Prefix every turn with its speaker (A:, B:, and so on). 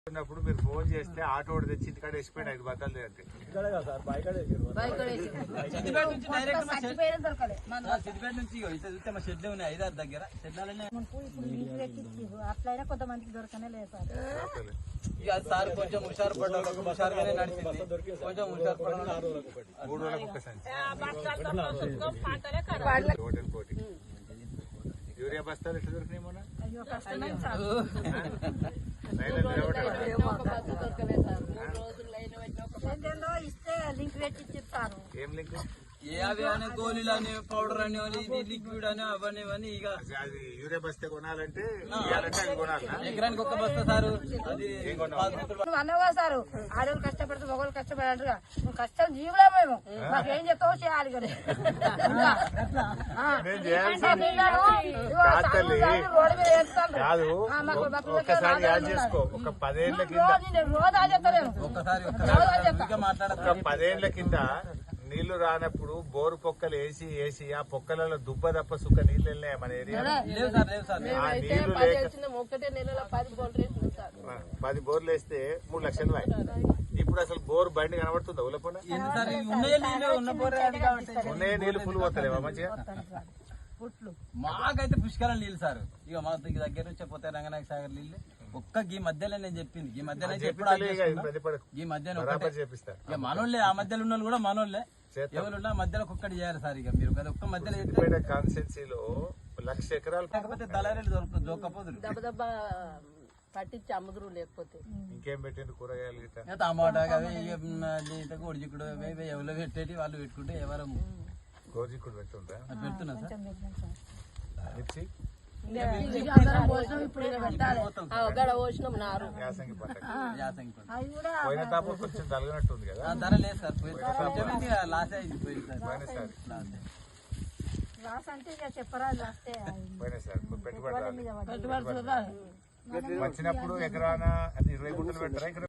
A: ఉన్నప్పుడు మీరు ఫోన్ చేస్తే ఆటో తెచ్చి ఇంటికాడ వేసిపోయింది 5 బత్తాలు అంటే
B: సిద్దిపేట నుంచి చూస్తే మా షెడ్లు ఉన్నాయి 5-6 దగ్గర షెడ్లనే
C: అట్లయినా కొంతమందికి దొరకనే లేదు సార్.
B: ఇక సార్ కొంచెం హుషారు పడ్డారు, హుషారుగానే నడిచింది. కొంచెం హుషారు పడ్డారు.
A: 3 రోజులకు ఒక సంచి హోటల్ కోటి యూరియా బస్తాలు ఎట్లా దొరికినాయి మొన్న
C: అయ్యో కష్టమే సార్. ఏంటో ఇస్తే లింక్ పెట్టి ఇచ్చిస్తారు.
A: ఏం లింక్
B: ఏ అవి అని గోళీలు అని పౌడర్ అని ఇది లిక్విడ్ అని అవన్నీ ఇవన్నీ ఇక
A: అది యూరియా బస్తా కొనాలంటే అది కొనాలా
B: ఎకరానికి ఒక బస్తా సారు అది
C: నువ్వు అన్నవా సారు ఆడవాళ్ళు కష్టపడితే మగవాళ్ళు కష్టపడారు. నువ్వు కష్టం జీవులే మేము మాకేం చెప్తావు చేయాలి కదా. రోడ్డు మీద వేస్తాను
A: కాదు ఒక్కసారి యాడ్ చేసుకో. ఒక 10 ఏళ్ల కింద
C: రోజు అది చెప్తాను.
B: ఒక్కసారి మాట్లాడతా.
A: ఒక 10 ఏళ్ల కింద నీళ్లు రానప్పుడు బోరు పొక్కలు వేసి ఆ పొక్కలలో దుబ్బ తప్ప సుక్క నీళ్లు వెళ్ళినాయి మన ఏరియా. ఆ నీళ్లు లేక 10 బోర్లు వేస్తే 3 లక్షలు ఇప్పుడు అసలు బోర్ బండి కనబడుతుందా ఉలపన ఉన్నాయే నీళ్లు ఫుల్ పోతలేవా మంచిగా.
B: మాకైతే పుష్కరం నీళ్ళు సార్. ఇక మా దగ్గర నుంచి పోతే రంగనాయక సాగర్ నీళ్ళు ఒక్క గీ మధ్యలో నేను చెప్పింది. ఈ మధ్యలో ఈ మధ్యలో ఇక మనోళ్ళే, ఆ మధ్యలో ఉన్న కూడా మనోళ్ళే. ఎవరున్నా మధ్యలో ఒక్కటి చేయాలి సార్. ఇక మీరు ఒక్క మధ్యలో
A: కాన్స్టిట్యున్సీలో 1,00,000 ఎకరాలు
B: కాకపోతే దళారీలు దొరకపోదు
D: దెబ్బ పట్టించి అమ్ముదురు. లేకపోతే
A: ఇంకేం పెట్టిండు కూరగాయలు
B: టమాటా గోడిచిక్కుడు ఎవరు పెట్టేటి వాళ్ళు పెట్టుకుంటే ఎవరు
A: గోజిక్కుడు పెట్టుంటా
B: పెడుతున్నా సార్.
A: మిర్చి
D: గడ పోసినాం నారు
A: యాసంగి పంట
B: యాసంగి పంట.
A: పోయిన తాపు కొంచెం తలగనట్టుంది కదా.
B: ధర లేదు సార్. లాస్ అయింది
A: పోయినసారి
C: లాస్ అంటే ఇక చెప్పరా లాస్తే
A: పోయినసారి పెట్టుబడి
C: పెట్టుబడి
A: వచ్చినప్పుడు ఎకరాన 20 గుంటలు పెట్టారా ఇక్కడ